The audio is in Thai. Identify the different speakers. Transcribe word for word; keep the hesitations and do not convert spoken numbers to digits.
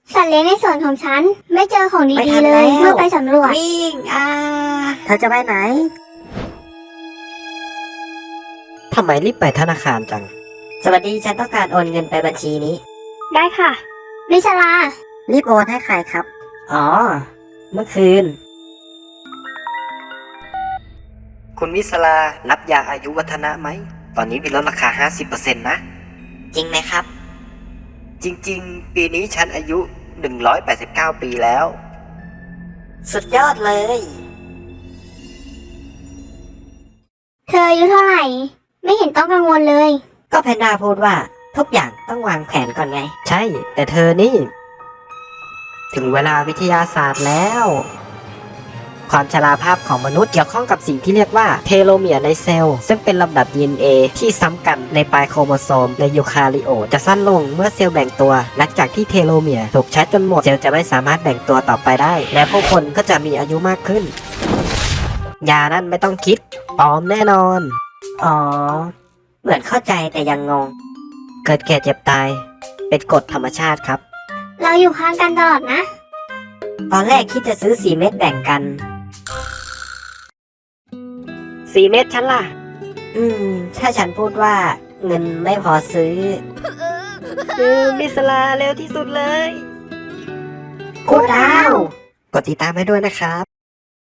Speaker 1: สัตว์เลี้ยงในสวนของฉันไม่เจอของ
Speaker 2: ไม่
Speaker 1: ดี
Speaker 2: ทัน
Speaker 1: ๆเลย
Speaker 2: แล้ว
Speaker 1: เมื่อไปสำรวจ
Speaker 2: วิ่งอ่าเธอจะไปไหน
Speaker 3: ทำไมรีบไปธนาคารจัง
Speaker 2: สวัสดีฉันต้องการโอนเงินไปบัญชีนี้
Speaker 1: ได้ค่ะมิชลา
Speaker 2: รีบโอนให้ใครครับ อ๋อ เมื่อคืน
Speaker 3: คุณวิศลารับยาอายุวัฒนะไหม ตอนนี้มีลดราคา ห้าสิบเปอร์เซ็นต์ นะ
Speaker 2: จริงไหมครับ
Speaker 3: จริงๆ ปีนี้ฉันอายุ หนึ่งร้อยแปดสิบเก้า ปีแล้ว
Speaker 2: สุดยอดเลย
Speaker 1: เธออายุเท่าไหร่ ไม่เห็นต้องกังวลเลย
Speaker 2: ก็แพนด้าพูดว่าทุกอย่างต้องวางแผนก่อนไง
Speaker 3: ใช่ แต่เธอนี่ ถึงเวลาวิทยาศาสตร์แล้ว ความชราภาพของมนุษย์เกี่ยวข้องกับสิ่งที่เรียกว่าเทโลเมียร์ในเซลล์ ซึ่งเป็นลำดับ ดี เอ็น เอ ที่ซ้ำกันในปลายโครโมโซมในยูคาริโอตจะสั้นลงเมื่อเซลล์แบ่งตัว หลังจากที่เทโลเมียร์ถูกใช้จนหมดเซลล์จะไม่สามารถแบ่งตัวต่อไปได้ และผู้คนก็จะมีอายุมากขึ้น ยานั่นไม่ต้องคิดปลอมแน่นอน
Speaker 2: อ๋อ เหมือนเข้าใจแต่ยังงง
Speaker 3: เกิดแก่เจ็บตาย เป็นกฎธรรมชาติครับ
Speaker 1: เราอยู่ข้างกันตลอดนะ
Speaker 2: ตอนแรกคิดจะซื้อสี่เม็ดแบ่งกัน
Speaker 3: สี่เม็ดฉันล่ะ
Speaker 2: อืม ถ้าฉันพูดว่าเงินไม่พอซื้อ
Speaker 3: คือมิสลาเร็วที่สุดเลย
Speaker 2: กูดาว
Speaker 3: กดติดตามให้ด้วยนะครับ